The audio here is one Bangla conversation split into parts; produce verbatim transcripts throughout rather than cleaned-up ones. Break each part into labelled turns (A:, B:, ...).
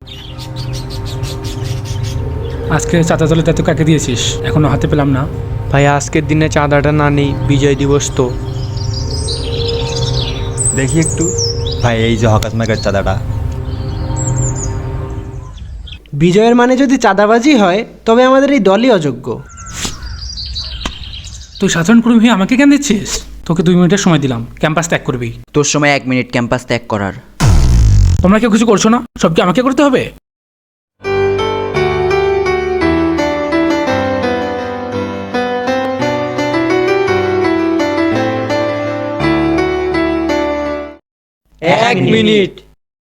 A: আজকে চাঁদা তোলার দায়িত্ব কাকে দিয়েছিস? এখনো হাতে পেলাম না।
B: ভাই আজকের দিনে চাঁদাটা না নেই, বিজয় দিবস তো।
C: দেখি একটু। ভাই এই যে হকাস মার্কেট চাঁদাটা।
D: বিজয়ের মানে যদি চাঁদাবাজি হয় তবে আমাদের এই দলই অযোগ্য।
A: তুই সাধারণ কর্মী হয়ে আমাকে কেন দিচ্ছিস? তোকে দুই মিনিটের সময় দিলাম, ক্যাম্পাস ত্যাগ করবি।
E: তোর সময় এক মিনিট ক্যাম্পাস ত্যাগ করার।
A: তোমরা কেউ কিছু করছো না, সব কি আমাকে করতে হবে?
B: এক মিনিট।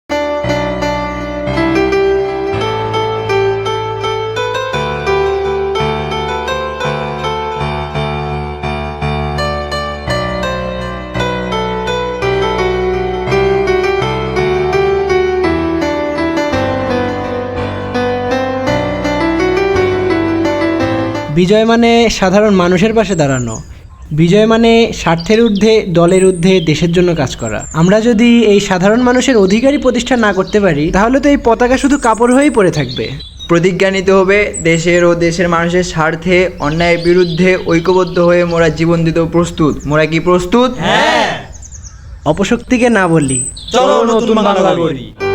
D: বিজয় মানে সাধারণ মানুষের পাশে দাঁড়ানো। বিজয় মানে স্বার্থের ঊর্ধ্বে, দলের ঊর্ধ্বে দেশের জন্য কাজ করা। আমরা যদি এই সাধারণ মানুষের অধিকারই প্রতিষ্ঠা না করতে পারি তাহলে তো এই পতাকা শুধু কাপড় হয়েই পড়ে থাকবে।
F: প্রতিজ্ঞা নিতে হবে দেশের ও দেশের মানুষের স্বার্থে অন্যায়ের বিরুদ্ধে ঐক্যবদ্ধ হয়ে মোরা জীবন দিতেও প্রস্তুত। মোরা কি প্রস্তুত?
D: অপশক্তিকে না বলি,
C: চলো নতুন বাংলা করি।